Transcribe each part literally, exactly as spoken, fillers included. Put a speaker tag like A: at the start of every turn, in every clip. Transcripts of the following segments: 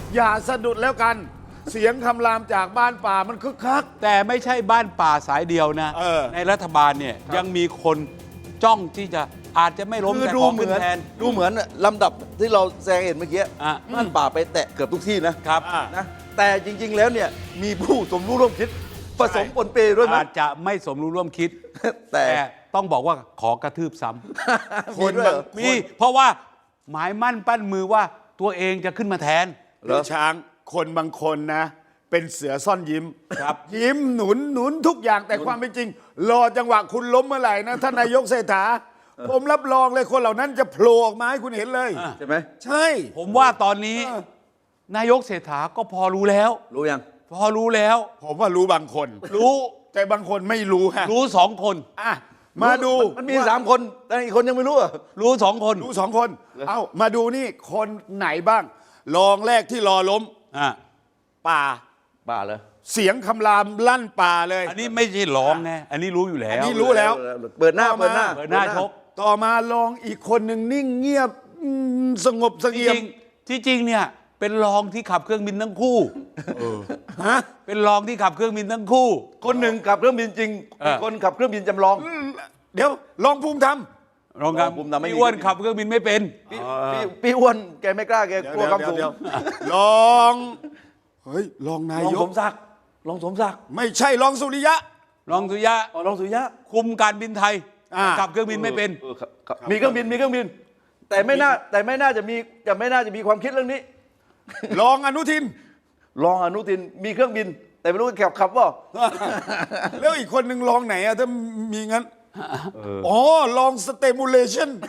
A: อย่าสะดุดแล้วกัน เสียงคำรามจากบ้านป่ามันคึกคัก
B: แต่ไม่ใช่บ้านป่าสายเดียวนะ
A: เออ
B: ในรัฐบาลเนี่ยยังมีคนจ้องที่จะอาจจะไม่ล้ม
C: คือ
B: แต่
C: ดู
B: ของ
C: เหมื
B: ขึ้น
C: อน
B: แทน
C: ดูเหมือนลำดับที่เราแซงเห็นเมื่อกี้
B: อ่ะ
C: บ้านป่าไปแตะเกือบทุกที่นะครับ
A: อ่ะ
C: นะแต่จริง ๆ แล้วเนี่ยมีผู้สมรู้ร่วมคิดผสมปนเปด้วยไหม
B: อาจจะไม่สมรู้ร่วมคิด
C: แต่
B: แต่ต้องบอกว่าขอกระทืบซ้ำ
C: มีด้วยเหรอ
B: มีเพราะว่าหมายมั่นปั้นมือว่าตัวเองจะขึ้นมาแทน
A: หรือช้างคนบางคนนะ เป็นเสือซ่อนยิ้ม
B: ครับ
A: ยิ้มหนุนหนุนทุกอย่างแต่ความเป็นจริง รอจังหวะคุณล้มเมื่อไหร่นะท่านนายกเศรษฐาผมรับรองเลยคนเหล่านั้นจะโผล่ออกมาให้คุณเห็นเลย
C: ใช่ไหม
A: ใช่
B: ผมว่าตอนนี้
A: เออ
B: นายกเศรษฐาก็พอรู้แล้ว
C: รู้ยัง
B: พอรู้แล้ว
A: ผมว่ารู้บางคน
B: รู้
A: แต่บางคนไม่รู้ฮะ
B: รู้สองคน
A: อ่ะมาดู
C: มันมีสามคน แต่อีกคนยังไม่รู้อ่ะ
B: รู้สองคน
A: รู้สองคน เอ้ามาดูนี่คนไหนบ้างรองแรกที่รอล้ม
B: อ่ะ
A: ป่า
C: บ้าเลย
A: เสียงคำรามลั่นป่าเลย
B: อันนี้ไม่ใช่ร้องไงอันนี้รู้อยู่แล้
A: อั
B: วน
A: นี้รู้แล้ว
C: เปิดหน้า
A: ต่อมา
C: เปิดหน้า
B: เปิดหน้าชก
A: ต่อมาลองอีกคนหนึ่งนิ่งเงียบอืมสงบเส
B: จ
A: งี่ย
B: ริ
A: ม
B: งๆที่จริงเนี่ยเป็นรองที่ขับเครื่องบินทั้งคู่
A: ฮะ
B: เป็นรองที่ขับเครื่องบินทั้งคู่
C: คนหนึ่งขับเครื่องบินจริง
B: เออ
C: อีกคนขับเครื่องบินจำลอง
A: เดี๋ยวลองภูมิธรรม
B: รองครับ
C: รองภูมิธรรมไม่มี
B: พี่อ้วนขับเครื่องบินไม่เป็น
C: พี่พี่พี่อ้วนแกไม่กล้าแกกลัวความสูง
A: เดี๋ยวลองเฮ้ยลองนา
C: ลอง
A: ย
C: ส
A: ก
C: มศักดิ์ลองสมศักดิ์
A: ไม่ใช่ลองสุริยะ
B: รองสุริยะ
C: อ๋อลองสุริยะ
B: คุมการบินไทย
A: อ่า
B: ขับเครื่องบินไม่เป็น
C: ออครับครับมีเครื่องบินมีเครื่องบิน แต่ไม่น่าแต่ไม่น่าจะมีจะไม่น่าจะมีความคิดเรื่องนี้
A: ลองอนุทิน
C: รองอนุทินมีเครื่องบิน แต่ไม่รู้ขับขับว่า
A: แล้วอีกคนหนึ่งลองไหนอะถ้ามีงั้นอ๋อลองสเตมูเลชัน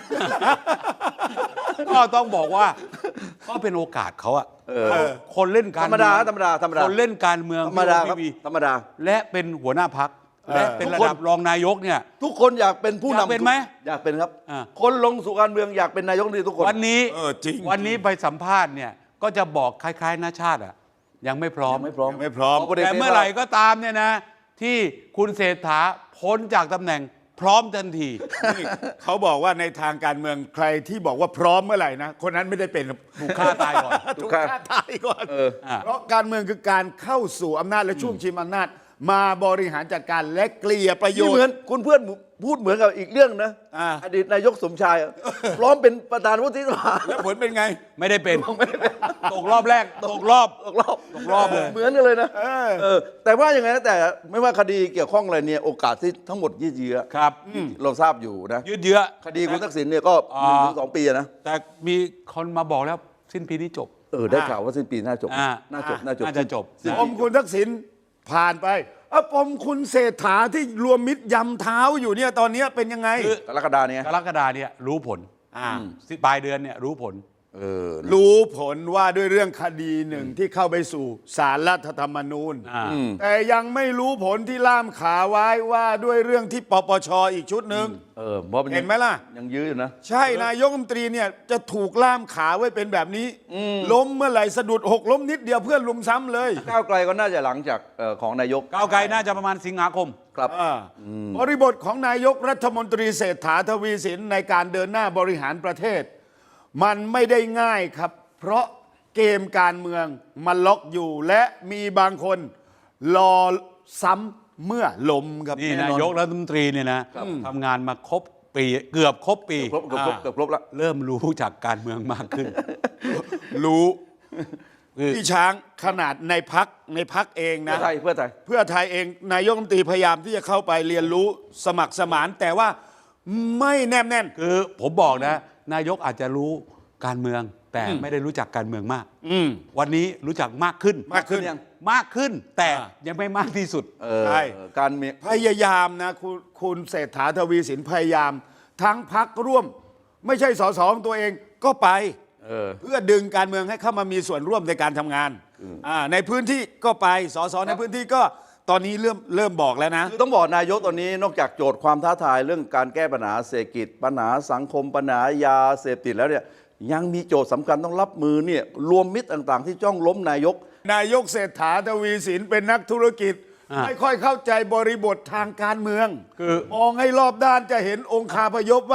B: ก็ต้องบอกว่าก็เป็นโอกาสเขาอะคนเล่น
C: ธ
B: การ
C: รรมดา
B: เอง
C: ธรรมดาธรรมดา
B: คนเล่นการเมือง
C: ธรรมดาครับ
B: พี่วี
C: ธรรมดา
B: และเป็นหัวหน้าพักและเป็นระดับรองนายกเนี่ย
C: ทุกคนอยากเป็นผู้
B: อยาก
C: นำ
B: เป็นไหม
C: อยากเป็นครับ
B: อ่า
C: คนลงสู่การเมืองอยากเป็นนายกรัฐมนตรีทุกคน
B: วันนี้
A: เออจริง
B: วันนี้ไปสัมภาษณ์เนี่ยก็จะบอกคล้ายๆนาชาติอะยังไม่พร้อม
C: ไม่พร้อม
A: ยังไม่พร้อม
C: พลเอก
B: แต่เมื่อไหร่ก็ตามเนี่ยนะ ที่คุณเศรษฐาพ้นจากตำแหน่งพร้อมทันที
A: นี่เขาบอกว่าในทางการเมืองใครที่บอกว่าพร้อมเมื่อไหร่นะคนนั้นไม่ได้เป็น
B: ถูกฆ่าตายก่อน
A: ถูกฆ่าตายก่อน
C: เออ
B: อ่ะ
A: เพราะการเมืองคือการเข้าสู่อำนาจและช่วงชิงอำนาจ มาบริหารจัดการและเกลี่ยประโย
C: นี่
A: ช
C: เหมือน
A: น์
C: คุณเพื่อนพูดเหมือนกับอีกเรื่องนะ
A: อ่า
C: อดีตนายกสมชายอะพร้อมเป็นประธานวุฒิสภา
A: แล้วผลเป็นไง
B: ไม่ได้เป็นตกรอบแรกตกรอบ
C: ตกรอบ
B: ตกรอบเลย
C: เหมือนกันเลยนะ
A: เออ
C: เออแต่ว่ายังไงนะแต่ไม่ว่าคดีเกี่ยวข้องอะไรเนี่ยโอกาสที่ทั้งหมดยืดเยื้อ
B: ครับ
C: เราทราบอยู่นะ
B: ยืดเยื้อ
C: คดีคุณทักษิณเนี่ยก็
B: อ่า
C: หนึ่งถึงสองปีอะนะ
B: แต่มีคนมาบอกแล้วสิ้นปีนี้จบ
C: เออได้ข่าวว่าสิ้นปีน่าจบ
B: อ่า
C: น่าจบน่าจบ
B: น่าจะจบ
C: สิ้น
A: ป
C: ปี
A: มคุณทักษิณผ่านไปอะปมคุณเศรษฐาที่รวมมิตรยำเท้าอยู่เนี่ยตอนเนี้ยเป็นยังไง
B: คือ
C: กรกฎาเนี่ย
B: กรกฎาเนี่ยรู้ผล
A: อ่า
B: สิปลายเดือนเนี่ยรู้ผล
C: เออ
A: รู้ผลว่าด้วยเรื่องคดีหนึ่งที่เข้าไปสู่ศาลรัฐธรรมนูญ
B: อ่า
A: แต่ยังไม่รู้ผลที่ล่ามขาไว้ว่าด้วยเรื่องที่ปปชอีกชุดหนึ่ง
C: เออเพราะนยัง
A: เห็นไหมล่ะ
C: ยังยื้ออยู่นะ
A: ใช่นายกรัฐมนตรีเนี่ยจะถูกล่ามขาไว้เป็นแบบนี้ ล้มเมื่อไหร่สะดุดหกล้มนิดเดียวเพื่อนลุมซ้ำเลย
C: ก้าวไกลก็น่าจะหลังจากเอ่อของนายก
B: ก้าวไกลน่าจะประมาณสิงหาคม
C: ครับ
A: อ่าบริบทของนายกรัฐมนตรีเศรษฐาทวีสินในการเดินหน้าบริหารประเทศ มันไม่ได้ง่ายครับ เพราะเกมการเมืองมันล็อกอยู่ และมีบางคนรอซ้ำเมื่อล้มครับ
B: นี่
A: แอ
B: นายกรัฐมนตรีเนี่ยนะทำงานมาครบปีเกือบครบปี
C: ครบเกือบครบเกือบครบละ
B: เริ่มรู้จากการเมืองมากขึ้น
A: รู้
B: คือ
A: พี่ช้างขนาดในพักในพักเอง
C: เพื่
A: นะ
C: อไทยเพื่อไทย
A: เพื่อไทยเองนายกรัฐมนตรีพยายามที่จะเข้าไปเรียนรู้สมัครสมาน แต่ว่าไม่แนบแน่น
B: คือผมบอกนะ นายกอาจจะรู้การเมือง แต่ไม่ได้รู้จักการเมืองมาก
A: อืม
B: วันนี้รู้จักมากขึ้น
A: มากขึ้น
C: ยัง
B: มากขึ้น แต่
A: อ่า
B: ยังไม่มากที่สุด
C: เออ
A: ใช่
C: การเมือง
A: พยายามนะคุณคุณเศรษฐาทวีสินพยายาม ทั้งพักร่วม ไม่ใช่สสของตัวเองก็ไป
C: เออ
A: เพื่อดึงการเมืองให้เข้ามามีส่วนร่วมในการทำงานอ่าในพื้นที่ก็ไปสสในพื้นที่ก็ตอนนี้เริ่มเริ่มบอกแล้วนะ
C: คือต้องบอกนายกตอนนี้นอกจากโจทย์ความท้าทายเรื่องการแก้ปัญหาเศรษฐกิจปัญหาสังคมปัญหายาเสพติดแล้วเนี่ยยังมีโจทย์สำคัญต้องรับมือเนี่ยรวมมิตรต่างๆ ที่จ้องล้มนายก
A: นายกเศรษฐาทวีสินเป็นนักธุรกิจ
B: อ่า
A: ไม่ค่อยเข้าใจบริบททางการเมือง
B: คือ
A: มองให้รอบด้านจะเห็นองคาพยพว่า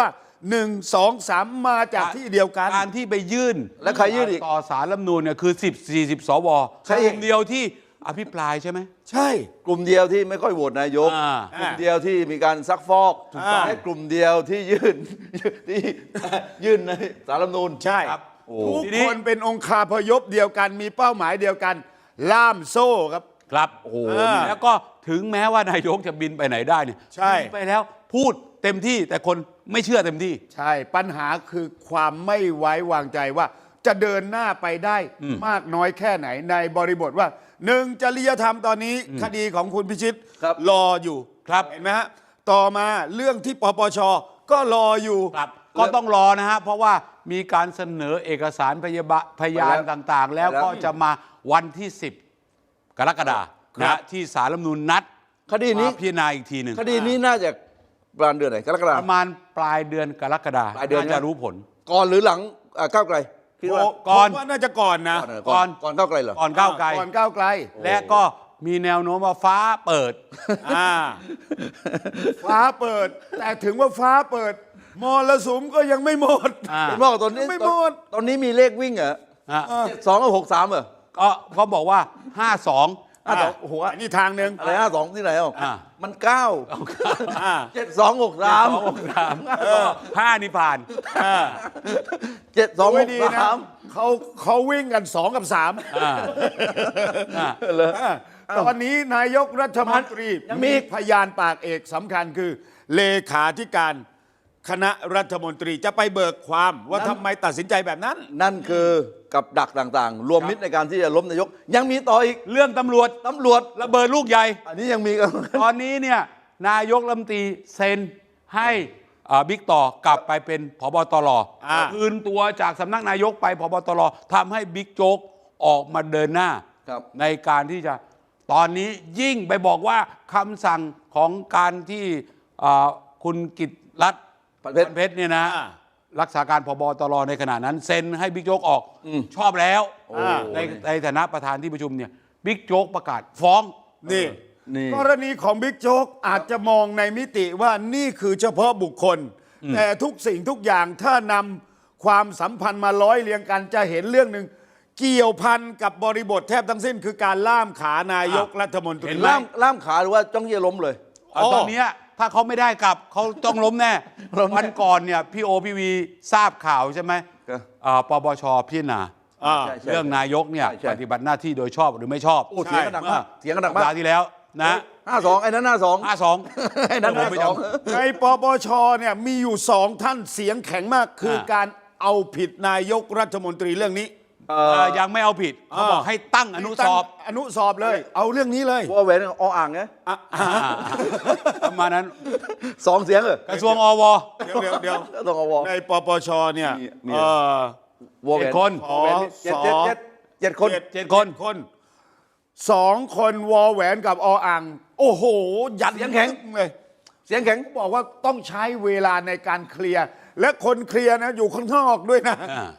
A: หนึ่งสองสามมาจากที่เดียวกัน
B: การที่ไปยื่น
C: และใครยื่นอีก
B: ต่อสารรัฐธรรมนูญเนี่ยคือสิบ สี่สิบสว
C: ใช่
B: กลุ่มเดียวที่อภิปรายใช่ไหม
A: ใช่
C: กลุ่มเดียวที่ไม่ค่อยโหวตนายก
B: อ่า
C: กลุ่มเดียวที่มีการซักฟอก
A: ถูกต้อง
C: และกลุ่มเดียวที่ยื่น ที่ยื่นในสารรัฐธรรมนูญ
A: ใช่
B: ครับ
C: โอ้
A: ทุก
B: ทีนี้
A: คนเป็นองคาพยพเดียวกันมีเป้าหมายเดียวกัน ล่ามโซ่ครับ
B: ครับ
C: โอ้โห
A: อ่า
B: แล้วก็ถึงแม้ว่านายกจะบินไปไหนได้เนี่ย
A: ใช่
B: บินไปแล้วพูดเต็มที่แต่คนไม่เชื่อเต็มที่
A: ใช่ปัญหาคือความไม่ไว้วางใจว่าจะเดินหน้าไปได้มากน้อยแค่ไหนในบริบทว่าหนึ่งจริยธรรมตอนนี้คดีของคุณพิชิต
C: ครับ
A: รออยู่
B: ครับ
A: เห็นไหมฮะต่อมาเรื่องที่ปปชก็รออยู่
B: ครับก็ต้องรอนะฮะเพราะว่ามีการเสนอเอกสารพยาบะพยาน
C: ไปแล้ว
B: ต่างๆ แล้ว
C: ไปแล้ว
B: ก็จะมาวันที่ สิบ กรกฎาคม
A: ครั
B: นะ
A: บ
B: ที่ศาลรัฐธรรมนูญนัด
C: คดีนี้
B: มาพิจารณาอีกทีหนึ่ง
C: คดีนี้น่าจะประมาณเดือนไหนกรกฎาค
B: ป
C: ม
B: ระมาณปลายเดือนกรกฎาคม
C: ปลายเดือน
B: น่าจะ
C: นะ
B: รู้ผล
C: ก่อนหรือหลังอ่าก้าวไกลคิดว่า
B: ก่อน
A: ผมว่าน่าจะก่อนนะ
C: ก่อนเหรอ
B: ก่อน
C: ก่อนก้าวไกลเหรอ
B: ก่อนก้าวไกล
A: ก่อนก้าวไกล
B: และก็มีแนวโน้มว่าฟ้าเปิด
A: อ่าฟ้าเปิด แต่ถึงว่าฟ้าเปิดมรสุมก็ยังไม่หมด
B: อ่า
C: เป็นว่าตอนนี้
A: ไม่หมด
C: ตอนนี้มีเลขวิ่งเหรอ
B: อ่ะ
C: เจ็ดสองกับหกสามเหรอ
B: ก็เขาบอกว่า ห้าสอง
C: ห้าสองโอ้โห
A: อันนี้ทางหนึ่ง
C: อะไรห้าสองที่ไหนอ่ะ
B: อ่า
C: มันเก้า
A: อ่า
C: เจ็ดสองหกสาม
B: ห้านี่ผ่าน
C: เจ็ดสองห
A: ไม่
C: ก
A: ดีนะ
C: สาม
A: เขาเขาวิ่งกันสองกับสาม
B: อ่าอ่า
C: เลย
A: อ่าตอนนี้นายกรัฐมนตรี
C: ยังมี
A: มีพยานปากเอกสำคัญคือ เลขาธิการคณะรัฐมนตรีจะไปเบิกความว่าทำไมตัดสินใจแบบนั้น
C: นั่นคือกับดักต่างๆ รวมมิตรในการที่จะล้มนายก ยังมีต่ออีก
B: เรื่องตำรวจ
C: ตำรวจ
B: ระเบิดลูกใหญ่
C: อันนี้ยังมีกัน
B: ตอนนี้เนี่ยนายกรัฐมนตรีเซ็นให้อ่าบิ๊กต่อกลับไปเป็นผบตร
A: อ่า
B: คืนตัวจากสำนักนายกไปผบตรทำให้บิ๊กโจ๊กออกมาเดินหน้า
C: ครับ
B: ในการที่จะตอนนี้ยิ่งไปบอกว่าคำสั่งของการที่อ่าคุณกิตติรัตน์
C: พันเพชร
B: พันเพชรเนี่ยนะ
A: อ่า
B: รักษาการผบตรในขณะนั้นเซ็นให้บิ๊กโจ๊กออก
C: อืม
B: ชอบแล้ว
C: โอ้
B: ในในฐานะประธานที่ประชุมเนี่ยบิ๊กโจ๊กประกาศฟ้อง
A: นี่
C: นี่
A: กรณีของบิ๊กโจ๊กอาจจะมองในมิติว่านี่คือเฉพาะบุคคล แต่ทุกสิ่งทุกอย่างถ้านำความสัมพันธ์มาร้อยเรียงกันจะเห็นเรื่องหนึ่งเกี่ยวพันกับบริบทแทบทั้งสิ้น คือการล่ามขานายกรัฐมนตรี
B: เห็นไหม
C: ล่ามล่ามขาหรือว่าจ้องจะล้มเลย
B: อ่ะตอนเนี้ยถ้าเขาไม่ได้กลับเขาต้องล้มแน่
C: ล้มแน่
B: วันก่อนเนี่ยพี่โอพี่วีทราบข่าวใช่ไหม
C: ครับ
B: อ่าปปชพิจารณา
A: อ่า
C: ใช่ใช่
B: เรื่องนายกเนี่ย
C: ใช่ใช่
B: ปฏิบัติหน้าที่โดยชอบหรือไม่ชอบ
C: โอ้เสียงกระดังมากเสียงกระดัง
B: สัป
C: มาก
B: ดาห์ที่แล้วนะ
C: ห้าสองไอ้นั้นห้าสอง
B: ห้าสอง
C: ไอ้นั้น
B: ผม
C: ห้า
B: ไป
C: ส
B: จ
C: อง
A: ในปปชเนี่ยมีอยู่สองท่านเสียงแข็งมากคืออา การเอาผิดนายกรัฐมนตรีเรื่องนี้
C: เอ่
B: เอ่
C: อ
B: อยังไม่เอาผิดเขาบอกให้ตั้งอนุสอบ
A: ตั้งอนุสอบเลย เอาเรื่องนี้เลย
C: วอแหวนออ่างไง
A: อ่ะ
B: อ่าประมาณนั้น
C: สองเสียงเหรอก
B: ระทรวงอว
A: เดี๋ยวเดี๋ยวเดี๋ยว
C: ต้องเอาวอ
A: ในปปชเนี่ย
C: นี่นี่
A: เอ่อ
C: วอแหว
B: เจ็
C: น
B: ดคน
A: ขอ
C: เจ็ดเจ็ดเจ็ดเจ็ดคน
B: เจ็ดคน
A: คนสองคนวอแหวนกับออ่างโอ้โห ยัด
C: เสียงแข็ง
A: เลย
C: เสียงแข็ง
A: บอกว่าต้องใช้เวลาในการเคลียร์ และคนเคลียร์นะอยู่ข้างนอกด้วยนะ
B: อ่า